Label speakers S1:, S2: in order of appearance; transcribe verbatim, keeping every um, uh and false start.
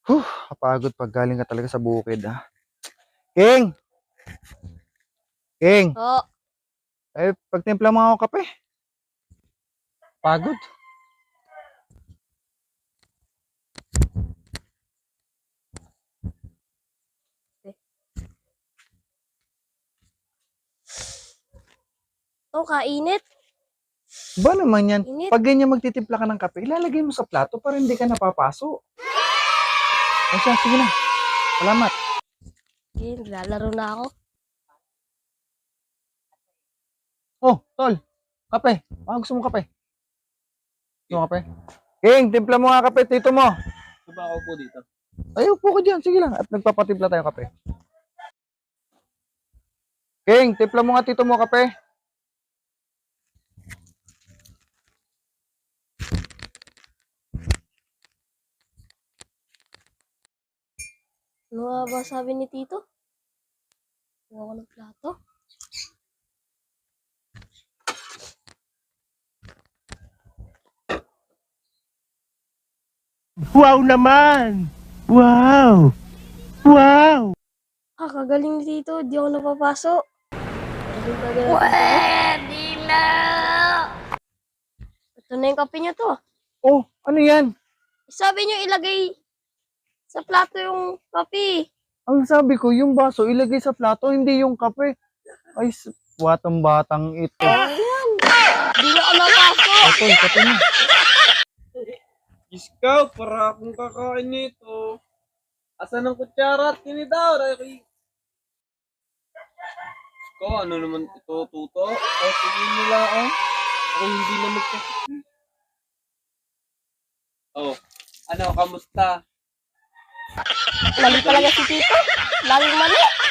S1: Huh, kapagod pag galing ka talaga sa bukid, ah. King! King!
S2: Oo.
S1: Eh, pagtimpla mo ako kape. Pagod.
S2: Oh, kainit.
S1: Ba naman yan?
S2: Init.
S1: Pag ganyan magtitimpla ka ng kape, ilalagay mo sa plato para hindi ka napapaso. O siya, sige na. Salamat.
S2: Okay, naglalaro na ako.
S1: Oh, tol. Kape. Baka gusto mo kape? Gusto mo kape? King, timpla mo nga kape, tito mo.
S3: Gusto ba ako po dito?
S1: Ay, upo ka dyan. Sige lang. At nagpapatimpla tayo kape. King, timpla mo nga tito mo kape.
S2: Ano nga ba sabi ni Tito? Ano ako ng plato?
S4: Wow naman! Wow! Wow!
S2: Ah, kagaling ni Tito. Di ako napapaso. Galing ka galing. Pwede na! Ito na yung kape niyo to.
S1: Oh, ano yan?
S2: Sabi niyo ilagay sa plato yung kape.
S1: Ang sabi ko, yung baso ilagay sa plato, hindi yung kape. Ay, s- watang batang ito.
S2: Ayan. Di na ako napaso.
S1: Ito, kape mo.
S3: Scout, para akong kakain nito. Asan ang kutsara at tinidaw? Ray? Ikaw, ano naman ito, tuto? O, sige nila, ah. Ako hindi na magkakita. Oh, ano, kamusta?
S2: Lagi talaga si Tito. Laging mali.